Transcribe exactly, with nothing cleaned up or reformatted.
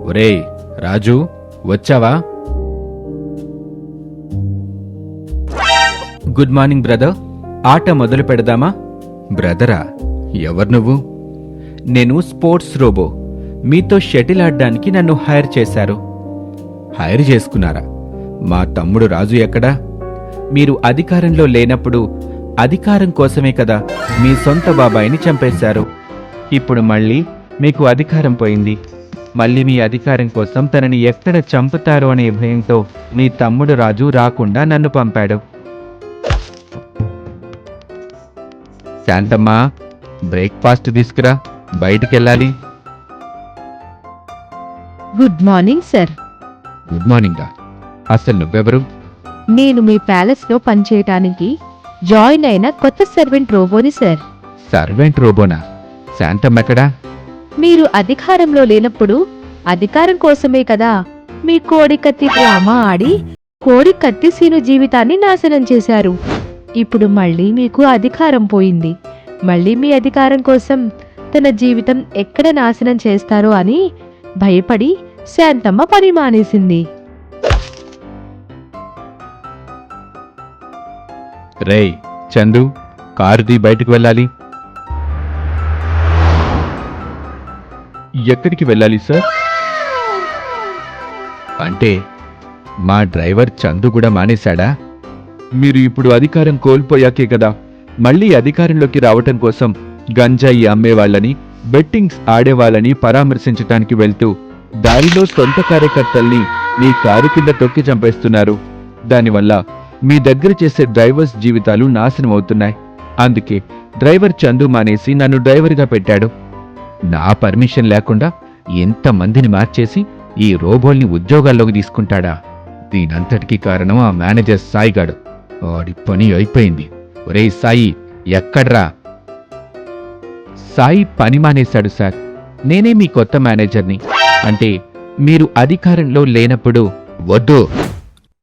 ఒరేయ్ రాజు, వచ్చావా? Good morning brother. ఆట మొదలు పెడదామా? బ్రదరా? ఎవరు నువ్వు? నేను స్పోర్ట్స్ రోబో. మీతో షటిల్ ఆడడానికి నన్ను హైర్ చేశారు. హైర్ చేసుకున్నారా? మా తమ్ముడు రాజు ఎక్కడా? మీరు అధికారంలో లేనప్పుడు అధికారం కోసమే కదా మీ సొంత బాబాయిని చంపేశారు. ఇప్పుడు మళ్ళీ మీకు అధికారం పోయింది. మళ్ళీ మీ అధికారం కోసం తనని ఎక్కడ చంపుతారో అనే భయంతో మీ తమ్ముడు రాజు రాకుండా నన్ను పంపాడు. శాంతమ్మా, బ్రేక్ఫాస్ట్ తీసుకురా, బయటికెళ్ళాలి. Good morning sir. Good morning. అసలు నువ్వెవరు? నేను మీ ప్యాలెస్లో పనిచేయటానికి జాయిన్ అయిన కొత్త సర్వెంట్ రోబోని సార్. సర్వెంట్ రోబోనా? శాంతమ్మ ఎక్కడా? మీరు అధికారంలో లేనప్పుడు అధికారం కోసమే కదా మీ కోడి కత్తి డ్రామా ఆడి కోడి కత్తి సీను జీవితాన్ని నాశనం చేశారు. ఇప్పుడు మళ్ళీ మీకు అధికారం పోయింది. మళ్ళీ మీ అధికారం కోసం తన జీవితం ఎక్కడ నాశనం చేస్తారో అని భయపడి శాంతమ్మ పని మానేసింది. రేయ్ చందు, కారుది బయటకు వెళ్ళాలి. ఎక్కడికి వెళ్ళాలి సార్? అంటే మా డ్రైవర్ చందు కూడా మానేశాడా? మీరు ఇప్పుడు అధికారం కోల్పోయాకే కదా మళ్ళీ అధికారంలోకి రావటం కోసం గంజాయి అమ్మేవాళ్ళని, బెట్టింగ్స్ ఆడేవాళ్ళని పరామర్శించటానికి వెళ్తూ దారిలో సొంత కార్యకర్తల్ని మీ కారు కింద తొక్కి చంపేస్తున్నారు. దానివల్ల మీ దగ్గర చేసే డ్రైవర్స్ జీవితాలు నాశనం అవుతున్నాయి. అందుకే డ్రైవర్ చందు మానేసి నన్ను డ్రైవర్గా పెట్టాడు. నా పర్మిషన్ లేకుండా ఎంతమందిని మార్చేసి ఈ రోబోల్ని ఉద్యోగాల్లోకి తీసుకుంటాడా? దీనంతటికీ కారణం ఆ మేనేజర్ సాయిగాడు. వాడి పని అయిపోయింది. ఒరేయ్ సాయి, ఎక్కడ్రా? సాయి పని మానేశాడు సార్. నేనే మీ కొత్త మేనేజర్ని. అంటే మీరు అధికారంలో లేనప్పుడు. వద్దు,